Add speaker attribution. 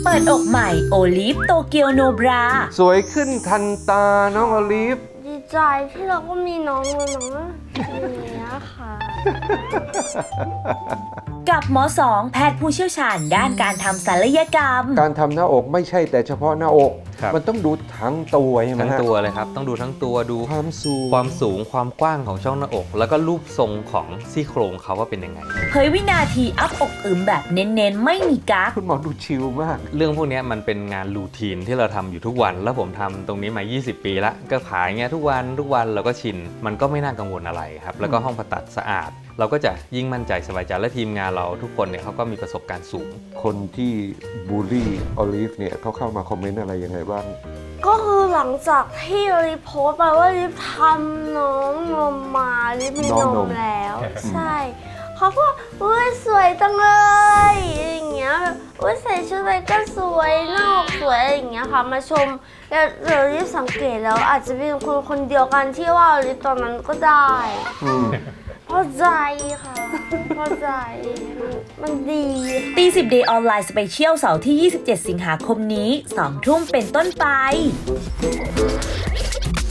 Speaker 1: เปิดอกใหม่โอลิฟโตเกียวโนบรา
Speaker 2: สวยขึ้นทันตาน้องโอลิฟ
Speaker 3: ดีใจที่เราก็มีน้องแล้วเนาะอย่างเงี้ยค่ะ
Speaker 1: กับหมอสองแพทย์ผู้เชี่ยวชาญด้านการทำศัลยกรรม
Speaker 2: การทำหน้าอกไม่ใช่แต่เฉพาะหน้าอก
Speaker 4: ครับ
Speaker 2: มันต้องดูทั้งตัวใช่ไหม
Speaker 4: ทั้ง
Speaker 2: ฮะ
Speaker 4: ตัวเลยครับต้องดูทั้งตัวดู
Speaker 2: ความสูง
Speaker 4: ความสูงความกว้างของช่องหน้าอก แล้วก็รูปทรงของซี่โครงเขาว่าเป็นยังไง
Speaker 1: เผยวินาทีอัพอกอึมแบบเน้นๆ ไม่มีกั๊ก
Speaker 2: คุณหมอดูชิลมาก
Speaker 4: เรื่องพวกนี้มันเป็นงานรูทีนที่เราทำอยู่ทุกวัน แล้วผมทำตรงนี้มา 20 ปีแล้วก็ขายเงี้ยทุกวันเราก็ชินมันก็ไม่น่ากังวลอะไรครับแล้วก็ห้องผ่าตัดสะอาด เราก็จะยิ่งมั่นใจสบายใจและทีมงานเราทุกคนเนี่ยเขาก็มีประสบการณ์สูง
Speaker 2: คนที่บูลลี่โอลิฟเนี่ยเขาเข้ามาคอมเมนต์อะไรยังไงบ้าง
Speaker 3: ก็คือหลังจากที่รีโพสต์ไปว่ารีทำน้องนมมารีมี
Speaker 2: น้อง
Speaker 3: น
Speaker 2: น
Speaker 3: ม
Speaker 2: ม
Speaker 3: แล้วใช่เขาก็อุ้ยสวยจังเลยอย่างเงี้ยแบบอุ้ยใส่ชุดอะไรก็สวยหน้าอกสวยอะไรอย่างเงี้ยค่ะมาชมแล้วเรารีบสังเกตแล้วอาจจะเป็นคนเดียวกันที่ว่ารีตอนนั้นก็ได้
Speaker 2: อืม
Speaker 3: พอใจค่ะพอใจมันดีค่ะ
Speaker 1: ตี10 Day ออนไลน์สเปเชียลเสาร์ที่ 27 สิงหาคมนี้ 2 ทุ่มเป็นต้นไป